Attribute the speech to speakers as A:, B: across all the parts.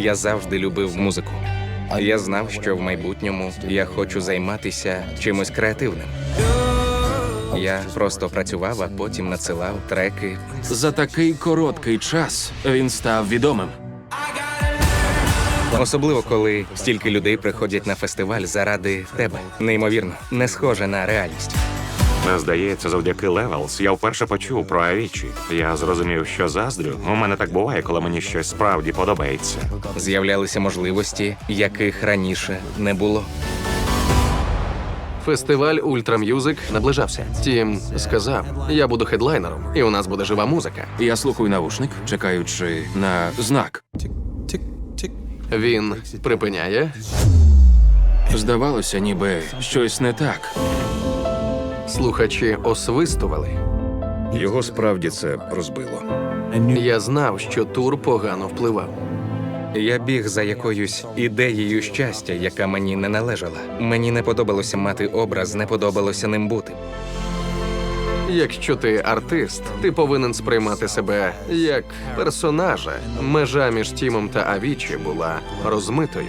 A: Я завжди любив музику. Я знав, що в майбутньому я хочу займатися чимось креативним. Я просто працював, а потім надсилав треки.
B: За такий короткий час він став відомим.
A: Особливо, коли стільки людей приходять на фестиваль заради тебе. Неймовірно, не схоже на реальність.
C: Здається, завдяки Levels я вперше почув про Авічі. Я зрозумів, що заздрю. У мене так буває, коли мені щось справді подобається.
A: З'являлися можливості, яких раніше не було.
D: Фестиваль Ультра М'юзик наближався. Тім сказав, я буду хедлайнером, і у нас буде жива музика.
B: Я слухаю навушник, чекаючи на знак.
D: Він припиняє,
B: Здавалося, ніби щось не так.
D: слухачі освистували.
E: Його справді це розбило.
D: Я знав, що тур погано впливав.
A: Я біг за якоюсь ідеєю щастя, яка мені не належала. Мені не подобалося мати образ, не подобалося ним бути.
D: Якщо ти артист, ти повинен сприймати себе як персонажа. Межа між Тімом та Авічі була розмитою.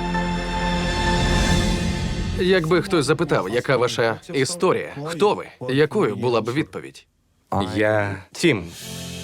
D: Якби хтось запитав, яка ваша історія, хто ви, якою була б відповідь?
A: Я Тім.